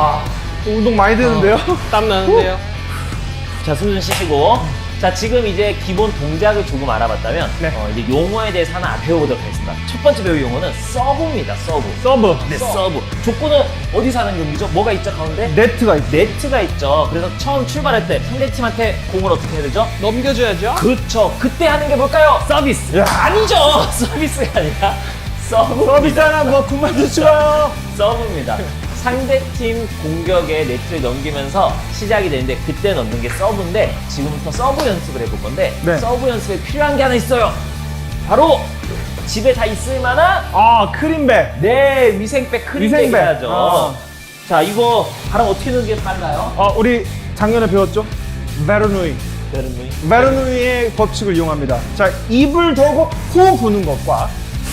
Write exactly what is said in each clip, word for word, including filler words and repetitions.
와, 운동 많이 되는데요? 어, 땀 나는데요? 자, 숨 좀 쉬시고. 자, 지금 이제 기본 동작을 조금 알아봤다면, 네. 어, 이제 용어에 대해서 하나 배워보도록 하겠습니다. 첫 번째 배울 용어는 서브입니다, 서브. 서브. 네, 서브. 족구는 어디서 하는 경기죠? 뭐가 있죠, 가운데? 네트가 있 네트가 있죠. 그래서 처음 출발할 때 상대팀한테 공을 어떻게 해야 되죠? 넘겨줘야죠? 그렇죠. 그때 하는 게 뭘까요? 서비스. 야. 아니죠. 서비스가 아니라 서브. 서비스 하나 뭐 그만 주시고요. 서브입니다. 상대팀 공격에 네트를 넘기면서 시작이 되는데 그때 넣는 게 서브인데 지금부터 서브 연습을 해볼 건데 네. 서브 연습에 필요한 게 하나 있어요. 바로 집에 다 있을 만한 아, 크림백. 네 위생백 크림백 위생백. 해야죠. 아. 자 이거 바람 어떻게 넣는 게 빨라요? 어, 우리 작년에 배웠죠? 베르누이. 여러분 베르누이의 법칙을 이용합니다. 자, 입을 대고 후 부는 것과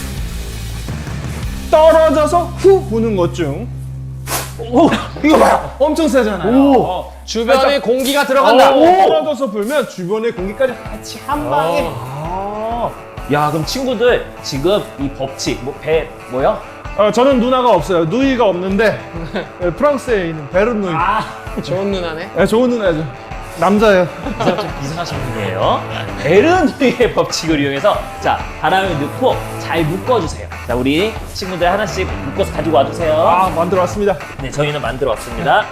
떨어져서 후 부는 것 중. 오, 이거 봐요. 엄청 세잖아요. 오. 주변에 공기가 들어간다. 오, 떨어져서 불면 주변의 공기까지 같이 한 방에. 아. 야 그럼 친구들 지금 이 법칙 뭐 배 뭐요? 어, 저는 누나가 없어요. 누이가 없는데 예, 프랑스에 있는 베르누이. 아 좋은 누나네. 예, 좋은 누나죠. 남자예요. 좀 이상하신 분이에요. 베르누이의 법칙을 이용해서 자 바람을 넣고 잘 묶어주세요. 자 우리 친구들 하나씩 묶어서 가지고 와주세요. 아, 만들어 왔습니다. 네 저희는 만들어 왔습니다.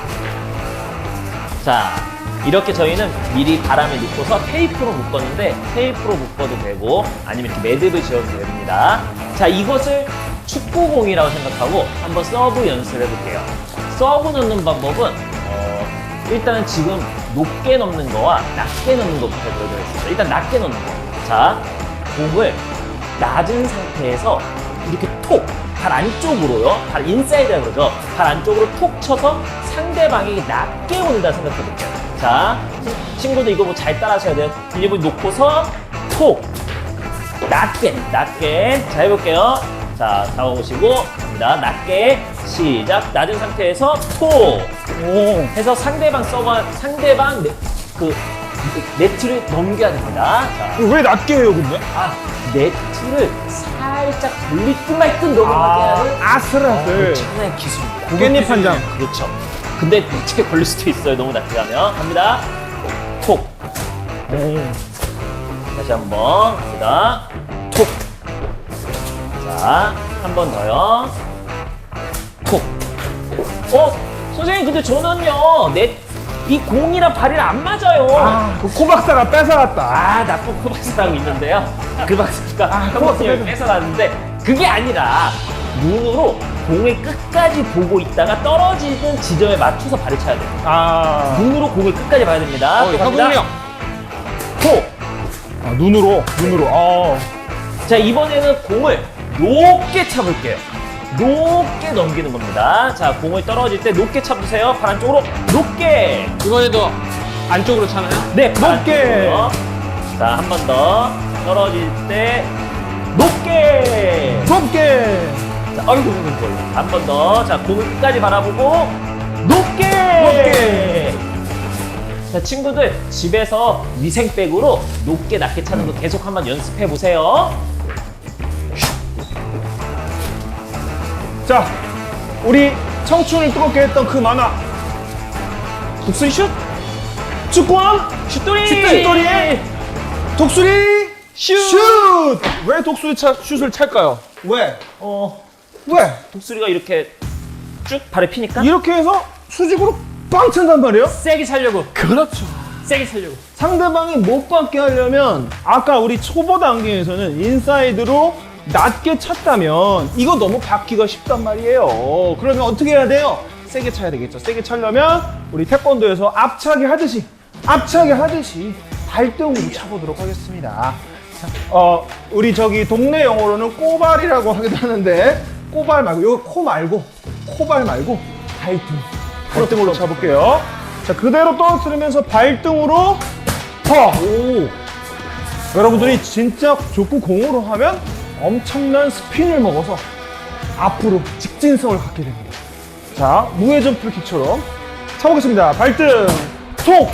자 이렇게 저희는 미리 바람을 넣고서 테이프로 묶었는데 테이프로 묶어도 되고 아니면 이렇게 매듭을 지어도 됩니다. 자 이것을 축구공이라고 생각하고 한번 서브 연습을 해볼게요. 서브 넣는 방법은 어, 일단은 지금 높게 넣는 거와 낮게 넣는 것부터 보여드리겠습니다. 일단 낮게 넣는 거. 자, 공을 낮은 상태에서 이렇게 톡, 발 안쪽으로요. 발 인사이드라고 그러죠. 발 안쪽으로 톡 쳐서 상대방이 낮게 온다 생각해 볼게요. 자, 친구들 이거 뭐 잘 따라 하셔야 돼요. 일부 놓고서 톡, 낮게, 낮게. 자, 해볼게요. 자, 잡아보시고 갑니다. 낮게 시작. 낮은 상태에서 톡. 오. 해서 상대방 서버 상대방 네, 그 네트를 넘겨야 됩니다. 자, 왜 낮게 해요, 근데? 아 네트를 살짝 돌릴 듯 말 듯 넘어가게 하는 아슬아슬. 엄청난 기술입니다. 깻잎 한 장. 그렇죠. 근데 네트에 걸릴 수도 있어요. 너무 낮게 가면 갑니다. 톡. 다시 한번 갑니다. 톡. 자, 한 번 더요. 톡. 어? 선생님 근데 저는요 내 이 공이랑 발이랑 안 맞아요. 아, 그 코박사가 뺏어갔다. 아 나쁜 코박스라고 있는데요. 그 박스가 아, 코박스를 뺏어갔는데 그게 아니라 눈으로 공을 끝까지 보고 있다가 떨어지는 지점에 맞춰서 발을 차야 돼요. 아, 눈으로 공을 끝까지 봐야 됩니다. 어, 또 갑니다. 협응력. 톡. 아, 눈으로, 눈으로. 아. 자 이번에는 공을 높게 차볼게요. 높게 넘기는 겁니다. 자 공을 떨어질 때 높게 차보세요. 발 안쪽으로 높게. 이번에도 안쪽으로 차나요? 네, 발 높게. 안쪽으로. 자 한 번 더 떨어질 때 높게. 높게. 자 아이고 한 번 더. 자 공을 끝까지 바라보고 높게. 높게. 자 친구들 집에서 위생백으로 높게 낮게 차는 거 계속 한번 연습해 보세요. 자, 우리 청춘을 뜨겁게 했던 그 만화. 독수리 슛? 축구왕? 슛돌이. 슛돌이의 독수리 슛! 왜 독수리 차, 슛을 찰까요? 왜? 어 왜? 독수리가 이렇게 쭉 발에 피니까 이렇게 해서 수직으로 빵 찬단 말이에요? 세게 차려고. 그렇죠. 세게 차려고. 상대방이 못 받게 하려면 아까 우리 초보 단계에서는 인사이드로 낮게 찼다면 이거 너무 받기가 쉽단 말이에요. 그러면 어떻게 해야 돼요? 세게 차야 되겠죠. 세게 차려면 우리 태권도에서 앞차기 하듯이 앞차기 하듯이 발등으로 차보도록 하겠습니다. 자, 어, 우리 저기 동네 영어로는 꼬발이라고 하기도 하는데 꼬발 말고 이거 코 말고 코발 말고 발등 발등으로 차볼게요. 자 그대로 떨어뜨리면서 발등으로 퍼. 오. 여러분들이 진짜 족구 공으로 하면 엄청난 스핀을 먹어서 앞으로 직진성을 갖게 됩니다. 자, 무회전 프리킥처럼 차보겠습니다. 발등, 톡!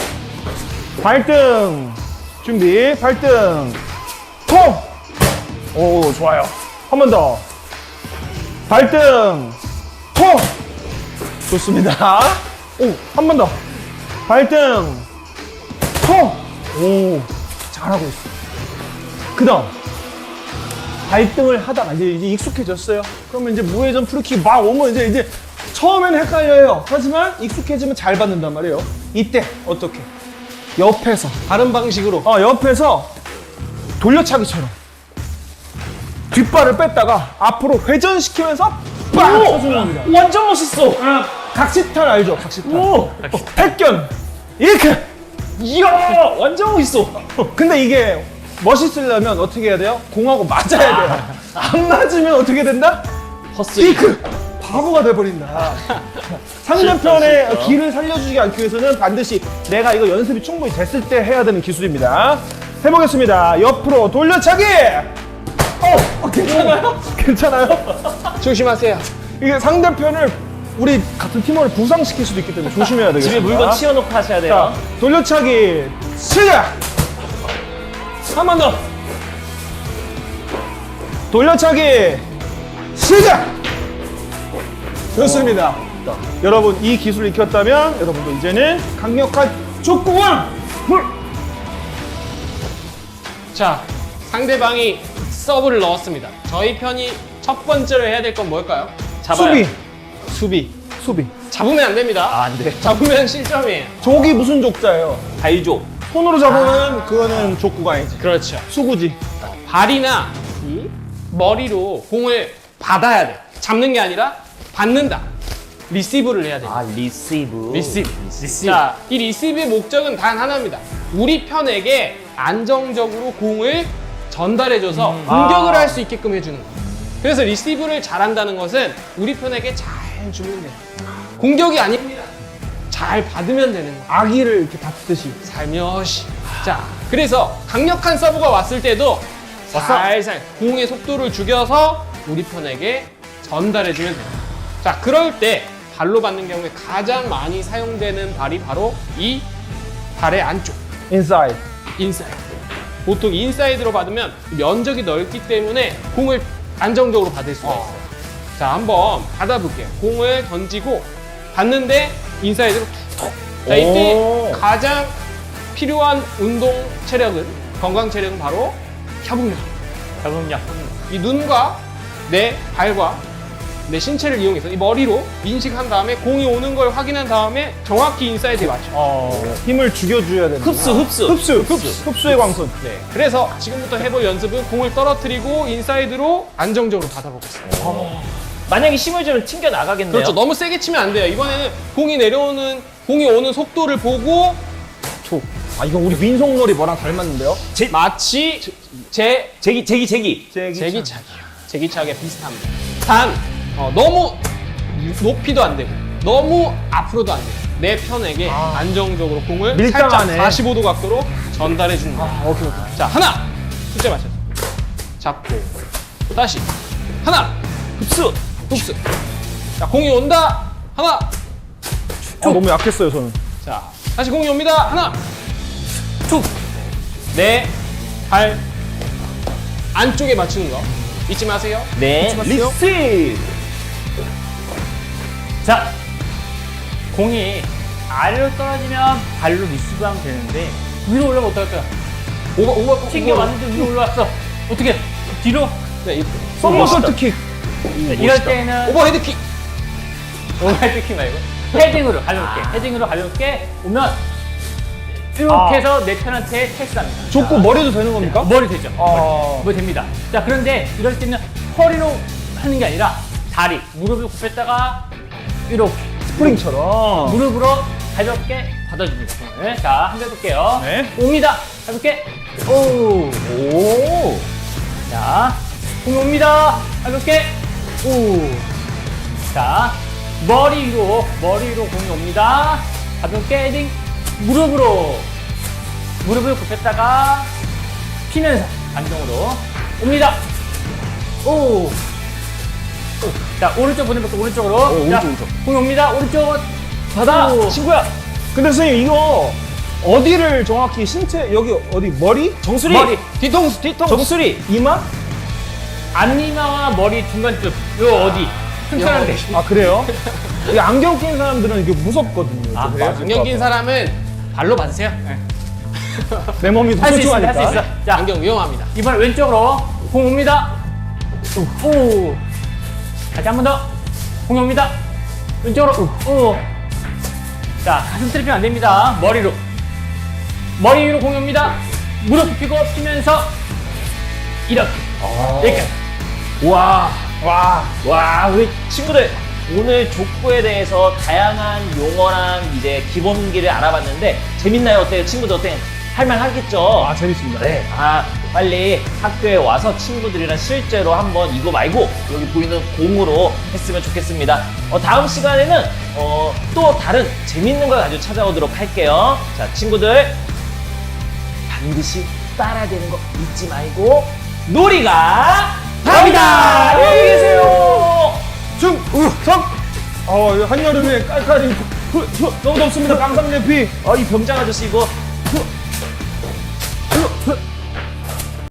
발등, 준비, 발등, 톡! 오, 좋아요. 한 번 더. 발등, 톡! 좋습니다. 오, 한 번 더. 발등. 터. 오, 잘하고 있어. 그 다음. 발등을 하다가 이제, 이제 익숙해졌어요. 그러면 이제 무회전 프리킥 막 오면 이제, 이제 처음에는 헷갈려요. 하지만 익숙해지면 잘 받는단 말이에요. 이때 어떻게? 옆에서. 다른 방식으로. 어, 옆에서 돌려차기처럼. 뒷발을 뺐다가 앞으로 회전시키면서 빡! 쳐주는 겁니다. 완전 멋있어. 아, 각시탈 알죠? 각시탈. 오, 택견. 이렇게. 이야, 완전 멋있어. 근데 이게 멋있으려면 어떻게 해야 돼요? 공하고 맞아야 돼요. 안 맞으면 어떻게 된다? 허스. 이크. 바보가 돼버린다. 상대편의 기를 살려주지 않기 위해서는 반드시 내가 이거 연습이 충분히 됐을 때 해야 되는 기술입니다. 해보겠습니다. 옆으로 돌려차기. 어, 어 괜찮아요? 괜찮아요? 조심하세요. 이게 상대편을 우리 같은 팀원을 부상시킬 수도 있기 때문에 조심해야 되겠습니다. 집에 물건 치워놓고 하셔야 돼요. 자, 돌려차기 시작! 한 번 더. 돌려차기 시작! 좋습니다. 여러분 이 기술을 익혔다면 여러분도 이제는 강력한 족구왕! 물! 자, 상대방이 서브를 넣었습니다. 저희 편이 첫 번째로 해야 될 건 뭘까요? 잡아요. 수비! 수비. 수비. 잡으면 안 됩니다. 아, 안 돼. 잡으면 실점이에요. 족이 무슨 족자예요? 발조. 손으로 잡으면 그거는 족구가 아니지. 그렇죠. 수구지. 발이나 이 머리로 공을 받아야 돼. 잡는 게 아니라 받는다. 리시브를 해야 돼요. 아, 리시브. 리시브. 리시브. 자, 이 리시브의 목적은 단 하나입니다. 우리 편에게 안정적으로 공을 전달해줘서 공격을 아. 할 수 있게끔 해주는 거예요. 그래서 리시브를 잘한다는 것은 우리 편에게 잘 주면 돼요. 공격이 아닙니다. 잘 받으면 되는 거예요. 아기를 이렇게 다투듯이. 살며시. 자, 그래서 강력한 서브가 왔을 때도 살살 공의 속도를 죽여서 우리 편에게 전달해주면 돼요. 자, 그럴 때 발로 받는 경우에 가장 많이 사용되는 발이 바로 이 발의 안쪽, 인사이드. 인사이드. 보통 인사이드로 받으면 면적이 넓기 때문에 공을 안정적으로 받을 수가 있어요. 자, 한번 받아볼게요. 공을 던지고 받는데 인사이드로 툭툭. 자, 이때 오. 가장 필요한 운동 체력은, 건강 체력은 바로 협응력. 잡음력. 이 눈과 내 발과 내 신체를 이용해서 이 머리로 인식한 다음에 공이 오는 걸 확인한 다음에 정확히 인사이드에 맞춰. 어, 힘을 죽여줘야 되는. 흡수, 흡수. 흡수, 흡수, 흡수의 광선. 네. 그래서 지금부터 해볼 연습은 공을 떨어뜨리고 인사이드로 안정적으로 받아보겠습니다. 만약에 힘을 주면 튕겨 나가겠네요. 그렇죠. 너무 세게 치면 안 돼요. 이번에는 공이 내려오는, 공이 오는 속도를 보고 촉. 아, 이거 우리 민속놀이 뭐랑 닮았는데요? 제, 마치 제 제기, 제기, 제기. 제기차기요. 제기차기가 비슷합니다. 단 어, 너무 높이도 안 되고 너무 앞으로도 안 되고 내 편에게 아. 안정적으로 공을 밀당하네. 살짝 사십오 도 각도로 전달해 주는 거예요. 아, 오케이, 오케이. 자, 하나 숫자 맞춰서 잡고 또 다시 하나 흡수. 흡수. 자, 공이 온다. 하나. 아, 너무 약했어요, 저는. 자, 다시 공이 옵니다. 하나. 툭. 내 발 안쪽에 맞추는 거 잊지 마세요. 네. 마세요. 리시브. 자, 공이 아래로 떨어지면 발로 리시브하면 되는데 위로 올라가면 어떨까요? 오버 오버 튕겨 왔는데 위로 올라왔어. 어떻게? 뒤로? 네, 이- 서머서트 킥. 네, 이럴 때는 오버헤드 킥. 오버헤드 킥 말고 헤딩으로 가볍게, 헤딩으로 가볍게 오면 이렇게 아. 해서 내 편한테 패스합니다. 족구 머리도 되는 겁니까? 머리 되죠. 아. 뭐 됩니다. 자, 그런데 이럴 때는 허리로 하는 게 아니라 다리, 무릎을 굽혔다가 이렇게 스프링처럼. 무릎으로 가볍게 받아줍니다. 공을. 자, 한번 해볼게요. 네. 옵니다. 가볍게. 오. 오. 자, 공이 옵니다. 가볍게. 오. 자, 머리 위로, 머리 위로 공이 옵니다. 가볍게 헤딩. 무릎으로. 무릎을 굽혔다가 피면서 안정으로 옵니다. 오. 오. 자, 오른쪽 보내볼게요. 오른쪽으로. 오, 오른쪽, 자, 오른쪽. 공이 옵니다. 오른쪽. 받아. 오. 친구야. 근데 선생님, 이거 어디를 정확히 신체, 여기 어디, 머리? 정수리. 머리 뒤통수 뒤통수. 정수리. 이마? 앞니마와 머리 중간쯤. 요 어디. 튼튼한 데. 아 그래요? 이 안경 낀 사람들은 이게 무섭거든요. 아, 좀 그래요? 맞을까 안경 낀 봐. 사람은 발로 받으세요. 내 몸이 더 할 수 있습니다. 할 소중하니까. 수 있어. 자, 안경 위험합니다. 이번 왼쪽으로 공 옵니다. 오. 다시 한 번 더. 공이 옵니다. 왼쪽으로. 오. 자, 가슴 트래핑 안 됩니다. 머리로. 머리 위로 공이 옵니다. 무릎 굽히고 피면서 이렇게. 여기까지. 와. 와. 와, 우리 친구들. 오늘 족구에 대해서 다양한 용어랑 이제 기본기를 알아봤는데 재밌나요? 어때요? 친구들 어때요? 할만하겠죠? 아 재밌습니다. 네. 아, 빨리 학교에 와서 친구들이랑 실제로 한번 이거 말고 여기 보이는 공으로 했으면 좋겠습니다. 어, 다음 시간에는 어, 또 다른 재밌는 걸 가지고 찾아오도록 할게요. 자, 친구들 반드시 따라야 되는 거 잊지 말고 놀이가 답이다! 안녕히 계세요! 충성. 어 한여름에 깔깔이 후, 후, 너무 덥습니다. 깡상내피. 어, 이 병장 아저씨 이거 후, 후.